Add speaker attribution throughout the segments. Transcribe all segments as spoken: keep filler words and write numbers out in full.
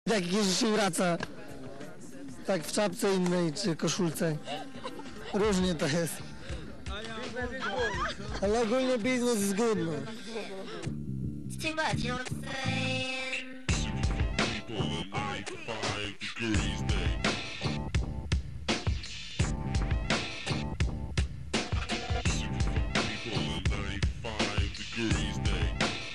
Speaker 1: Jak Jerzy się wraca, tak w czapce innej czy koszulce. Różnie to jest. Ale ogólnie biznes jest good, no.
Speaker 2: Too much, you know what I'm saying?
Speaker 3: People in ninety-five degrees day. People in ninety-five degrees day.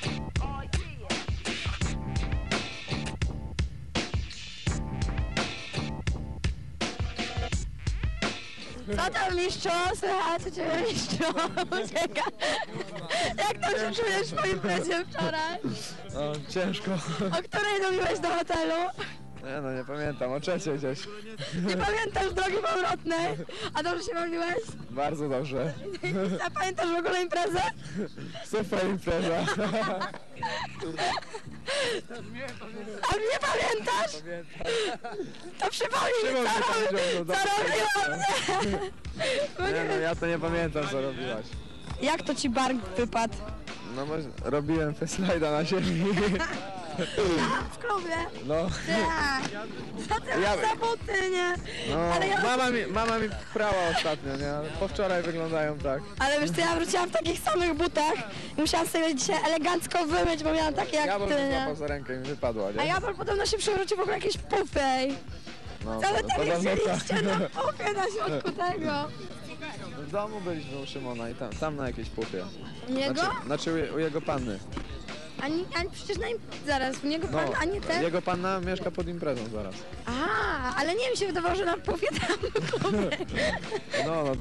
Speaker 4: Co tam, mistrzu? Słychać u ciebie, mistrzu? Ucieka. Jak tam się czujesz po imprezie wczoraj?
Speaker 5: No, ciężko.
Speaker 4: O której dobiłeś do hotelu?
Speaker 5: Nie no, nie pamiętam, o trzeciej gdzieś.
Speaker 4: Nie pamiętasz drogi powrotnej? A dobrze się bawiłeś?
Speaker 5: Bardzo dobrze.
Speaker 4: A pamiętasz w ogóle imprezę?
Speaker 5: Super impreza.
Speaker 4: A nie pamiętasz? To przypomnij mi,
Speaker 5: Szymon
Speaker 4: co,
Speaker 5: mnie tam
Speaker 4: robi,
Speaker 5: wziął do
Speaker 4: co
Speaker 5: domu.
Speaker 4: robiłam, nie? Bo
Speaker 5: Nie
Speaker 4: nie
Speaker 5: no,
Speaker 4: wiem.
Speaker 5: ja to nie pamiętam, co robiłaś.
Speaker 4: Jak to ci bark wypadł?
Speaker 5: No może robiłem slajda na ziemi.
Speaker 4: W klubie?
Speaker 5: No,
Speaker 4: Tak. Co ty
Speaker 5: Ja-
Speaker 4: masz za buty, nie?
Speaker 5: no
Speaker 4: Ale ja...
Speaker 5: mama, mi, mama mi prała ostatnio, nie? Ale po wczoraj wyglądają tak.
Speaker 4: Ale wiesz co, ja wróciłam w takich samych butach i musiałam sobie dzisiaj elegancko wymyć, bo miałam takie jak
Speaker 5: Jabol
Speaker 4: ty,
Speaker 5: mnie
Speaker 4: nie?
Speaker 5: złapał za rękę i mi wypadła, nie?
Speaker 4: A Jabol podobno się przewrócił w ogóle jakieś pufej.
Speaker 5: No,
Speaker 4: Cały
Speaker 5: to-
Speaker 4: tak
Speaker 5: podobno
Speaker 4: chcieliście
Speaker 5: tak.
Speaker 4: na pufie na środku tego.
Speaker 5: W domu byliśmy u Szymona i tam, tam na jakiejś pupie.
Speaker 4: Niego?
Speaker 5: Znaczy, znaczy u, u jego panny.
Speaker 4: Ani, ani przecież na im... zaraz, u niego pan, a nie ten?
Speaker 5: Jego panna mieszka pod imprezą zaraz.
Speaker 4: A, ale nie mi się wydawało, że na pufie tam w klubie.
Speaker 5: No, no